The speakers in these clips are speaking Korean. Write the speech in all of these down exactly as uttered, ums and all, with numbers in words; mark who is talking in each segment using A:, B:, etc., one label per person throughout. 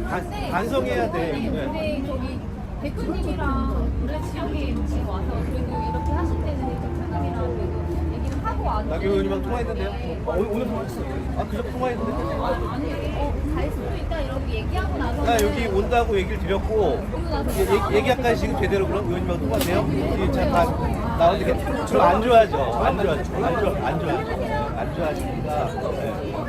A: 간, 반성해야 돼.
B: 아니,
A: 네.
B: 근데 저기 대표님이랑 우리 지역에 지금 와서 그래도 이렇게 하실 때는 대표님이랑 그래도 얘기를 하고 와도
A: 나경원 의원님랑 통화했는데요? 어, 오늘, 오늘 통화했어요. 아, 그저 통화했는데?
B: 아니 어, 갈 수도 있다 이렇게 얘기하고 나서
A: 나 여기 온다고 얘기를 드렸고, 얘기, 얘기 아까 지금 제대로 그럼 의원님하고 통화돼요? 이 잠깐 나오는데 별로 안 좋아하죠. 안 좋아하죠. 안 좋아, 안 좋아하죠. 안 좋아하시니까. 네.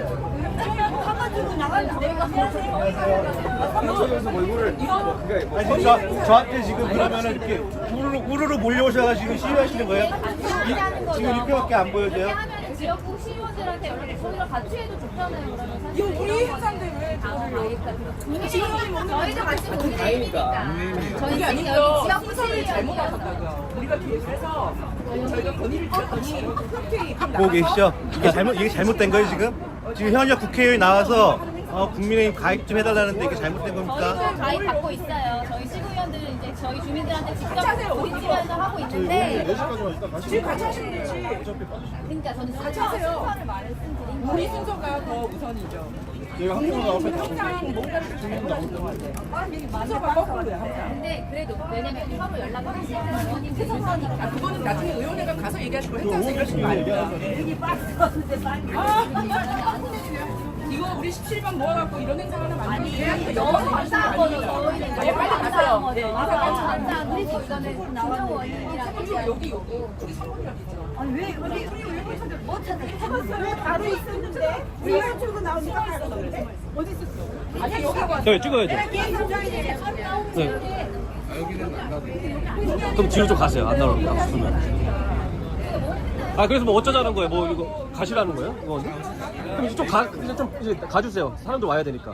C: 저기서 뭐 이거를 그게 뭐
A: 아니, 저, 저한테 지금 그러면은 이렇게 우르르, 우르르 몰려오셔가지고 시위하시는 거예요? 이, 지금 이렇게밖에 안 보여져요?
B: 이렇게 하면 지역구 시의원들한테 연락해 저희랑 같이 해도 좋잖아요. 그러면 사실
D: 이거 우리 행사인데 왜
B: 국민의힘 저희도 같이 국민의힘이니까 저희
D: 그게
B: 지금
D: 아니고요.
B: 여기 지역구
D: 순서를 잘못
B: 시의원이어서
D: 하셨다고요. 우리가 기획을 해서 저희가 건의를 드렸더니 흔쾌히
A: 보고 계시죠? 이게 잘못, 이게 잘못된 거예요, 지금? 지금 현역 국회의원이 나와서 어, 국민의힘 가입 좀 해달라는데 이게 잘못된 겁니까?
B: 저희도 가입 받고 있어요. 저희 시의원들은 이제 저희 주민들한테 직접 부딪히면서 하고 있는데
D: 지금 같이 하시면 되지.
B: 그러니까 저는
D: 같이
B: 순서,
D: 하세요.
B: 순서를 말씀드린
D: 우리
B: 거예요.
D: 순서가 더 우선이죠.
A: 저희가 항상 앞에 다
D: 항상 뭔가를 잘못하는 것 같아요. 순서가 거꾸로야 항상.
B: 근데 그래도 왜냐면 서로 연락을 하시는 의원님들 순서니까
D: 아, 그거는 나중에 의원회가 가서 얘기하시고 행사에서 얘기하시는 거 아닙니까? 아, 이거 우리 십칠 번 모아갖고 이런 행사 하나 만드는데
B: 너무 감사한 거죠. 저희는
D: 네, 빨리 가세요. 네,
B: 너무
D: 인사 빨리
B: 감사한 우리 이거는 나원님이랑
D: 여기 여기 우리 선물이죠.
E: 왜 우리 우리 외국인들 못 찾았어? 왜 바로 있었는데 우리 출구 나오니까 바로 있었는데 어디 있었어?
D: 아니 여기 봐.
F: 네, 찍어야죠.
E: 게임 장장이네.
F: 네. 그럼 뒤로 좀 가세요. 안 나오니까. 그러면. 아, 그래서 뭐 어쩌자는 거예요? 뭐 이거 가시라는 거예요? 이거 그럼 이제 좀 가, 이제 좀 이제 가주세요. 사람들 와야 되니까.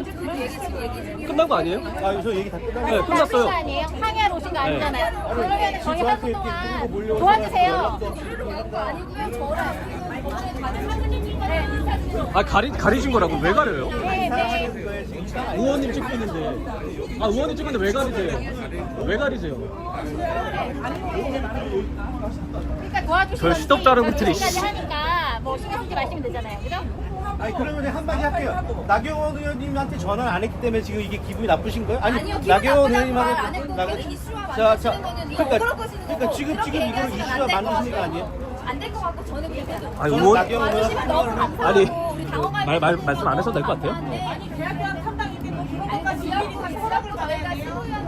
F: 끝난 거 아니에요?
A: 아, 저 얘기 다 끝났어요.
F: 네, 끝났어요.
B: 아니에요? 항해하러 오신 거 아니잖아요. 그러면 저희 한 분 동안
A: 몰려오셔가지고
B: 도와주세요. 그런 거 아니고요. 저랑 오늘 다들 사모님들과 인사 드리는
F: 아, 가리 가리신 거라고 왜 가려요?
B: 네, 네.
F: 의원님 찍고 있는데. 아, 의원님 찍는데 왜 가리세요? 왜 가리세요?
B: 그러니까 도와주시면
F: 별 시덥다는 것들이.
B: 까지 하니까 뭐 신경 쓰지 마시면 되잖아요. 그죠?
A: 아니, 그러면 한마디 할게요. 나경원 의원님한테 전화를 안 했기 때문에 지금 이게 기분이 나쁘신 거예요? 아니,
B: 아니요, 기분
A: 나경원
B: 나쁘다고 말안
A: 의원님하고.
B: 했고
A: 나경-
B: 괜히 이슈화
A: 자, 자,
B: 만드시는 거는 이거
A: 그러니까,
B: 억울할 것이는
A: 그러니까
B: 거고
A: 지금,
B: 그렇게
A: 지금 이걸
B: 얘기하시면
A: 이슈화
B: 안될것
A: 만드시는 거
B: 같아요.
A: 아니에요?
B: 안 될 것 같고 저는 그래도
F: 아니, 의원
A: 나경원
B: 와주시면 너무
A: 의원
B: 감사하고
F: 아니,
B: 우리 당원가입
F: 말, 말, 말씀 안 하셔도 될 것 같아요.
B: 아니 대학교 탐방인데 뭐 그런 것까지 일일이 다 허락을 받아야 시의원